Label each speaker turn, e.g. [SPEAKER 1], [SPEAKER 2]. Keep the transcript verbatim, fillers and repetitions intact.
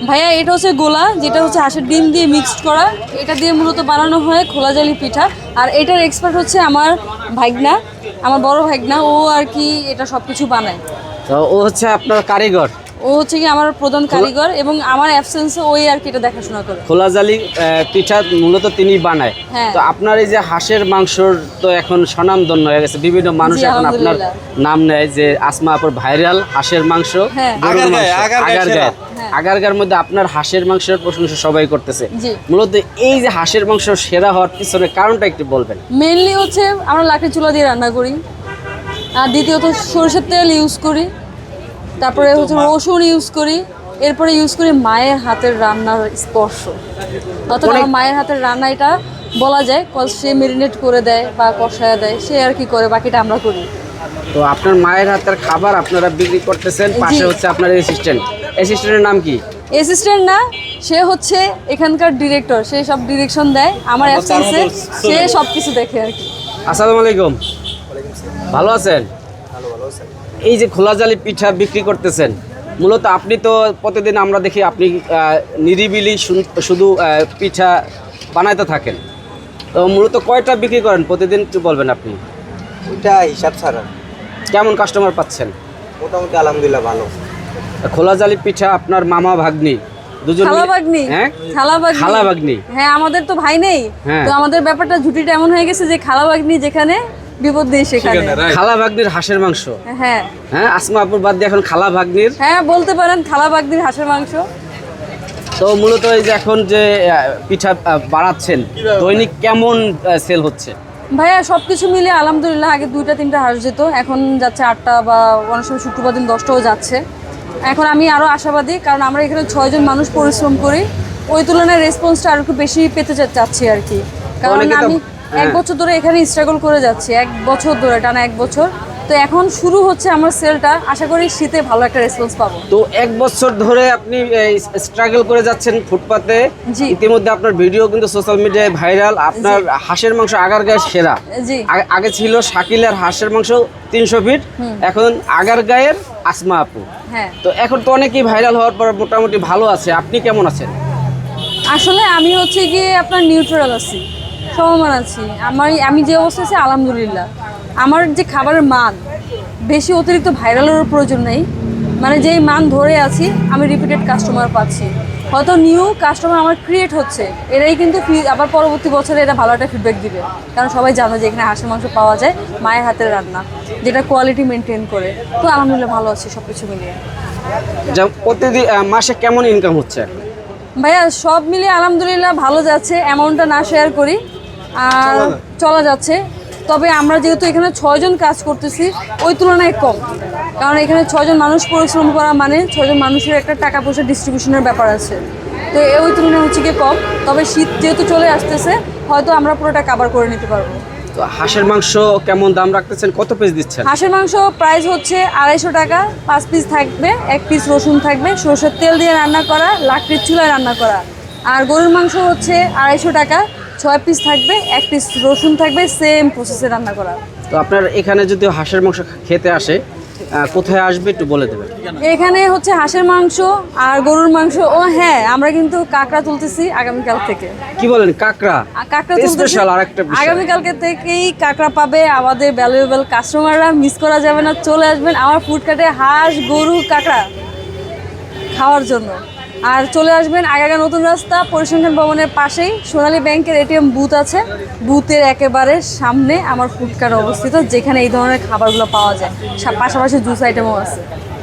[SPEAKER 1] ভাইয়া এটা হচ্ছে গোলা, যেটা হচ্ছে হাঁসের ডিম দিয়ে মিক্সড করা। এটা দিয়ে মূলত বানানো হয় খোলা জালি পিঠা। আর এটার এক্সপার্ট হচ্ছে আমার ভাইগনা, আমার বড় ভাইগনা। ও আর কি এটা সব কিছু বানায়।
[SPEAKER 2] তো ও হচ্ছে আপনার কারিগর,
[SPEAKER 1] ও হচ্ছে কি আমার প্রধান কারিগর, এবং আমার অ্যাবসেন্সে ওই আর কি এটা দেখাশোনা করে।
[SPEAKER 2] খোলা জালি পিঠা মূলত তিনি বানায়।
[SPEAKER 1] হ্যাঁ।
[SPEAKER 2] তো আপনার এই যে হাঁসের মাংসর তো এখন স্বনামধন্য হয়ে গেছে, বিভিন্ন মানুষ
[SPEAKER 1] জি,
[SPEAKER 2] এখন আপনার
[SPEAKER 1] আলহামদুলিল্লাহ।
[SPEAKER 2] নাম নেয় যে আসমা আপুর ভাইরাল হাঁসের মাংস,
[SPEAKER 1] হ্যাঁ।
[SPEAKER 2] গরুর মাংস,
[SPEAKER 3] আগারগাঁয়ে, আগারগাঁয়ে
[SPEAKER 2] আগারগাঁয়ে।
[SPEAKER 1] হ্যাঁ।
[SPEAKER 2] আগারগাঁয়ের মধ্যে আপনার হাঁসের মাংসের প্রশংসা সবাই করতেছে।
[SPEAKER 1] জি।
[SPEAKER 2] মূলত এই যে হাঁসের মাংস সেরা হওয়ার পিছনে কারণটা একটু বলবেন।
[SPEAKER 1] মেনলি হচ্ছে আমরা লাকড়ি চুলা দিয়ে রান্না করি, আর দ্বিতীয়ত সরষের তেল ইউজ করি, তারপরে হচ্ছে রসুন ইউজ করি, এরপরে ইউজ করি মায়ের হাতের রান্নার স্পর্শ। অর্থাৎ আমার মায়ের হাতের রান্না এটা বলা যায়, কজ সে মেরিনেট করে দেয় বা কষায় দেয়, সে আর কি করে, বাকিটা আমরা করি।
[SPEAKER 2] তো আপনার মায়ের হাতের খাবার আপনারা বিক্রি করতেছেন, পাশে হচ্ছে আপনার অ্যাসিস্ট্যান্ট। অ্যাসিস্ট্যান্টের নাম কি?
[SPEAKER 1] অ্যাসিস্ট্যান্ট না, সে হচ্ছে এখানকার ডিরেক্টর, সে সব ডিরেকশন দেয় আমার অ্যাবসেন্সে, সে সব কিছু দেখে আর কি।
[SPEAKER 2] আসসালামু আলাইকুম। ভালো আছেন? এই যে খোলা জালি পিঠা বিক্রি করতেছেন, মূলত আপনি তো প্রতিদিন আমরা দেখি আপনি আহ, নিরিবিলি শুন- শুধু আহ, পিঠা বানাইতে থাকেন। তো মূলত কয়টা বিক্রি করেন প্রতিদিন একটু বলবেন আপনি?
[SPEAKER 3] ওইটা হিসাব ছাড়া
[SPEAKER 2] কেমন কাস্টমার পাচ্ছেন?
[SPEAKER 3] মোটামুটি আলহামদুলিল্লাহ ভালো।
[SPEAKER 2] খোলা জালি পিঠা আপনার মামা ভাগ্নি দুজন
[SPEAKER 1] খালা
[SPEAKER 2] মিলে-
[SPEAKER 1] ভাগ্নি,
[SPEAKER 2] হ্যাঁ
[SPEAKER 1] খালা ভাগ্নি,
[SPEAKER 2] খালা ভাগ্নি।
[SPEAKER 1] হ্যাঁ, আমাদের তো ভাই নেই।
[SPEAKER 2] হ্যাঁ।
[SPEAKER 1] তো আমাদের ব্যাপারটা ঝুটিটা এমন হয়ে গেছে যে খালা ভাগ্নি যেখানে, বিপদ নেই সেখানে।
[SPEAKER 2] খালা ভাগ্নির হাঁসের মাংস।
[SPEAKER 1] হ্যাঁ
[SPEAKER 2] হ্যাঁ, আসমা আপুর বাদ দিয়ে এখন খালা ভাগ্নির।
[SPEAKER 1] হ্যাঁ বলতে পারেন খালা ভাগ্নির হাঁসের মাংস।
[SPEAKER 2] তো মূলত এই যে এখন যে আহ, পিঠা আহ, বাড়াচ্ছেন, দৈনিক কেমন সেল হচ্ছে?
[SPEAKER 1] ভাইয়া সব কিছু মিলে আলহামদুলিল্লাহ, আগে দুইটা তিনটা হাঁস যেত, এখন যাচ্ছে আটটা, বা অনেক সময় শুক্রবার দিন দশটাও যাচ্ছে। এখন আমি আরও আশাবাদী, কারণ আমরা এখানে ছয়জন মানুষ পরিশ্রম করি, ওই তুলনায় রেসপন্সটা আর একটু বেশি পেতে চা- চাচ্ছি আর কি। কারণ
[SPEAKER 2] অনেকে তো-
[SPEAKER 1] আমি এক
[SPEAKER 2] হ্যাঁ।
[SPEAKER 1] বছর ধরে এখানে স্ট্রাগল করে যাচ্ছি, এক বছর ধরে, টানা এক বছর। তো এখন শুরু হচ্ছে আমার সেলটা, আশা করি শীতে ভালো একটা রেসপন্স পাবো।
[SPEAKER 2] তো এক বছর ধরে আপনি স্ট্রাগল করে যাচ্ছেন ফুটপাতে।
[SPEAKER 1] জি।
[SPEAKER 2] ইতিমধ্যে আপনার ভিডিও কিন্তু সোশ্যাল মিডিয়ায় ভাইরাল। আপনার হাঁসের মাংস আগারগাঁয়ের সেরা।
[SPEAKER 1] জি।
[SPEAKER 2] আগে- আগে ছিল শাকিলের হাঁসের মাংস তিনশো ফিট, এখন আগারগাঁয়ের আসমা আপু।
[SPEAKER 1] হ্যাঁ,
[SPEAKER 2] তো এখন তো অনেকেই ভাইরাল হওয়ার পর মোটামুটি ভালো আছে। আপনি কেমন আছেন?
[SPEAKER 1] আসলে আমি হচ্ছে গিয়ে আপনার নিউট্রাল আছি, সমমান আছি। আমার আমি যে অবস্থা আছি আলহামদুলিল্লাহ। আমার যে খাবারের মান, বেশি অতিরিক্ত ভাইরালেরও প্রয়োজন নেই, মানে যেই মান ধরে আছি আমি রিপিটেড কাস্টমার পাচ্ছি। হয়তো নিউ কাস্টমার আমার ক্রিয়েট হচ্ছে, এরাই কিন্তু ফি- আবার পরবর্তী বছরে এটা ভালো একটা ফিডব্যাক দিবে, কারণ সবাই জানে যে এখানে হাঁসের মাংস পাওয়া যায় মায়ের হাতের রান্না, যেটা কোয়ালিটি মেনটেন করে। তো আলহামদুলিল্লাহ ভালো আছে সব কিছু মিলিয়ে।
[SPEAKER 2] যা প্রতিদিন আহ, মাসে কেমন ইনকাম হচ্ছে?
[SPEAKER 1] ভাইয়া সব মিলিয়ে আলহামদুলিল্লাহ ভালো যাচ্ছে, অ্যামাউন্টটা না শেয়ার করি আর চলা যাচ্ছে। তবে আমরা যেহেতু এখানে ছয়জন কাজ করতেছি, ওই তুলনায় কম, কারণ এখানে ছয়জন মানুষ পরিশ্রম করা মানে ছয়জন মানুষের একটা টাকা পয়সা ডিস্ট্রিবিউশনের ব্যাপার আছে। তো এ ওই তুলনায় হচ্ছে গিয়ে কম, তবে শীত যেহেতু চলে আসতেছে, হয়তো আমরা পুরোটা কাভার করে নিতে পারবো।
[SPEAKER 2] তো হাঁসের মাংস কেমন দাম রাখতেছেন, কত পিস দিচ্ছেন?
[SPEAKER 1] হাঁসের মাংস প্রাইস হচ্ছে আড়াইশো টাকা, পাঁচ পিস থাকবে, এক পিস রসুন থাকবে, সরষের তেল দিয়ে রান্না করা, লাকড়ির চুলায় রান্না করা। আর গরুর মাংস হচ্ছে আড়াইশো টাকা, ছয় পিস থাকবে, এক পিস রসুন থাকবে, সেম প্রসেসে রান্না করা।
[SPEAKER 2] তো আপনার এখানে যদি হাঁসের মাংস খেতে আসে, আহ, কোথায় আসবে একটু বলে দেবেন।
[SPEAKER 1] এখানে হচ্ছে হাঁসের মাংস আর গরুর মাংস। ও হ্যাঁ, আমরা কিন্তু কাঁকড়া তুলতেছি আগামীকাল থেকে।
[SPEAKER 2] কি বলেন, কাঁকড়া?
[SPEAKER 1] আর কাঁকড়া তুলতেছি
[SPEAKER 2] স্পেশাল আরেকটা বিষয়।
[SPEAKER 1] আগামীকালকে থেকেই কাঁকড়া পাবে আমাদের ভ্যালুয়েবল কাস্টমাররা, মিস করা যাবে না, চলে আসবেন আমার ফুডকার্টে হাঁস, গরু, কাঁকড়া খাওয়ার জন্য। আর চলে আসবেন আগাগা নতুন রাস্তা পরিসংখ্যান ভবনের পাশেই সোনালী ব্যাংকের এটিএম বুথ আছে, বুথের একেবারে সামনে আমার ফুডকার্ট অবস্থিত, যেখানে এই ধরনের খাবারগুলো পাওয়া যায়, সা- পাশাপাশি জুস আইটেমও আছে।